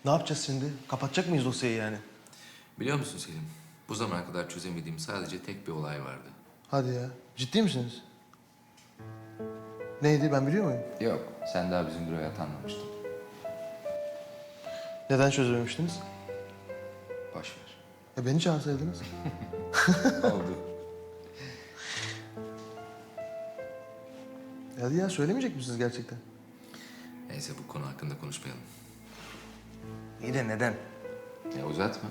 Ne yapacağız şimdi? Kapatacak mıyız dosyayı yani? Biliyor musun Selim? Bu zamana kadar çözemediğim sadece tek bir olay vardı. Hadi ya. Ciddi misiniz? Neydi, ben biliyor muyum? Yok, sen daha bizim büroya atanmamıştın. Neden çözememiştiniz? Boş ver. Beni çağırsaydınız. Oldu. Hadi ya, söylemeyecek misiniz gerçekten? Neyse bu konu hakkında konuşmayalım. İyi de neden? Ya uzatma.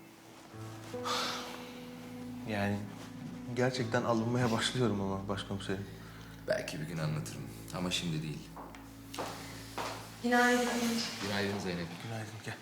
Yani gerçekten alınmaya başlıyorum ama başkomiserim. Belki bir gün anlatırım ama şimdi değil. Günaydın. Günaydın Zeynep. Günaydın, gel.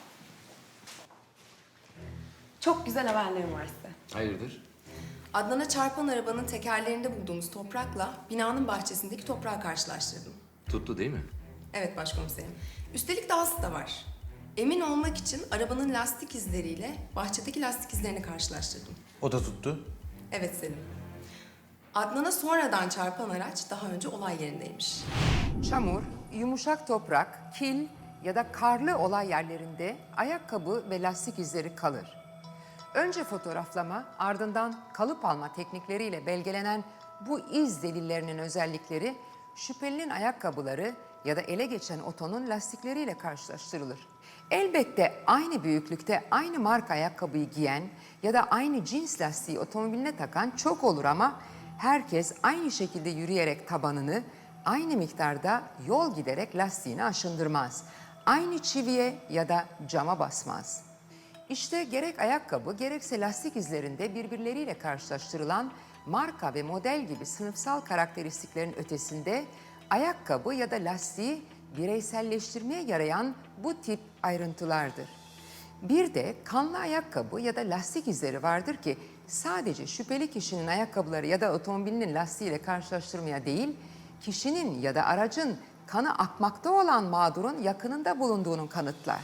Çok güzel haberlerim var size. Hayırdır? Adnan'a çarpan arabanın tekerlerinde bulduğumuz toprakla binanın bahçesindeki toprağı karşılaştırdım. Tuttu değil mi? Evet başkomiserim. Üstelik dahası da var. Emin olmak için arabanın lastik izleriyle bahçedeki lastik izlerini karşılaştırdım. O da tuttu. Evet Selim. Adnan'a sonradan çarpan araç daha önce olay yerindeymiş. Çamur, yumuşak toprak, kil ya da karlı olay yerlerinde ayakkabı ve lastik izleri kalır. Önce fotoğraflama, ardından kalıp alma teknikleriyle belgelenen bu iz delillerinin özellikleri şüphelinin ayakkabıları ya da ele geçen otonun lastikleriyle karşılaştırılır. Elbette aynı büyüklükte aynı marka ayakkabıyı giyen ya da aynı cins lastiği otomobiline takan çok olur ama herkes aynı şekilde yürüyerek tabanını, aynı miktarda yol giderek lastiğini aşındırmaz. Aynı çiviye ya da cama basmaz. İşte gerek ayakkabı gerekse lastik izlerinde birbirleriyle karşılaştırılan marka ve model gibi sınıfsal karakteristiklerin ötesinde ayakkabı ya da lastiği bireyselleştirmeye yarayan bu tip ayrıntılardır. Bir de kanlı ayakkabı ya da lastik izleri vardır ki sadece şüpheli kişinin ayakkabıları ya da otomobilinin lastiğiyle karşılaştırmaya değil, kişinin ya da aracın kanı akmakta olan mağdurun yakınında bulunduğunun kanıtlar.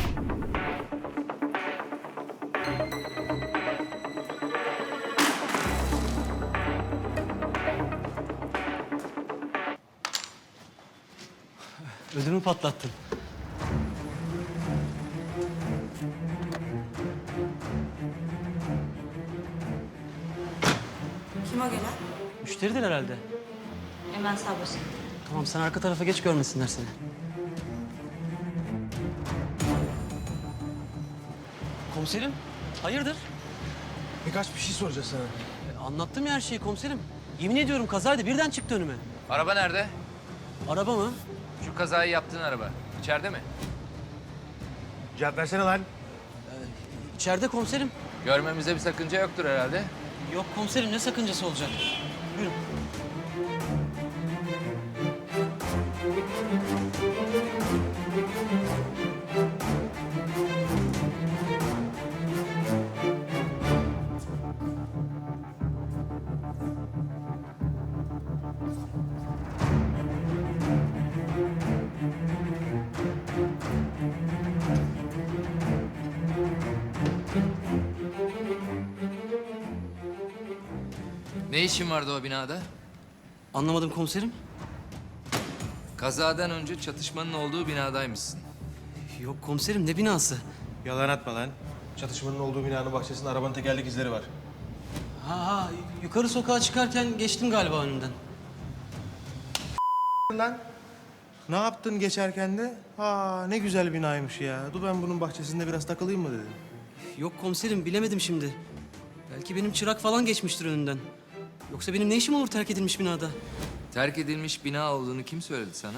Ödümü patlattın. Kim o gelen? Müşteridir herhalde. Hemen sağ başına. Tamam, sen arka tarafa geç, görmesinler seni. Komiserim, hayırdır? Birkaç bir şey soracağız sana. Anlattım ya her şeyi komiserim. Yemin ediyorum kazaydı, birden çıktı önüme. Araba nerede? Araba mı? Şu kazayı yaptığın araba. İçeride mi? Cevap versene lan. İçeride komiserim. Görmemize bir sakınca yoktur herhalde. Yok komiserim, ne sakıncası olacak? Buyurun. Ne işin vardı o binada? Anlamadım komiserim. Kazadan önce çatışmanın olduğu binadaymışsın. Yok komiserim, ne binası? Yalan atma lan. Çatışmanın olduğu binanın bahçesinde arabanın tekerlek izleri var. Ha, yukarı sokağa çıkarken geçtim galiba önünden. Lan. Ne yaptın geçerken de? Ne güzel binaymış ya. Dur ben bunun bahçesinde biraz takılayım mı dedim. Yok komiserim, bilemedim şimdi. Belki benim çırak falan geçmiştir önünden. Yoksa benim ne işim olur terk edilmiş binada? Terk edilmiş bina olduğunu kim söyledi sana?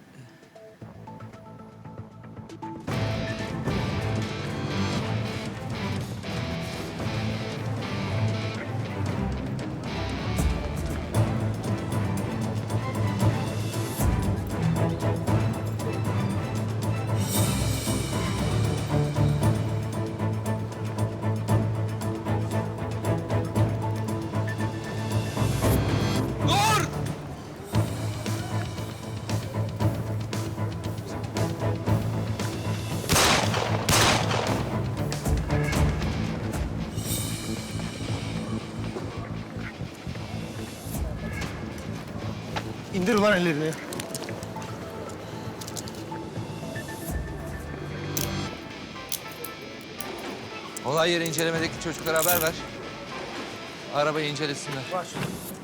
İndir ulan ellerini. Olay yeri incelemedeki çocuklara haber ver. Arabayı incelesinler. Baş.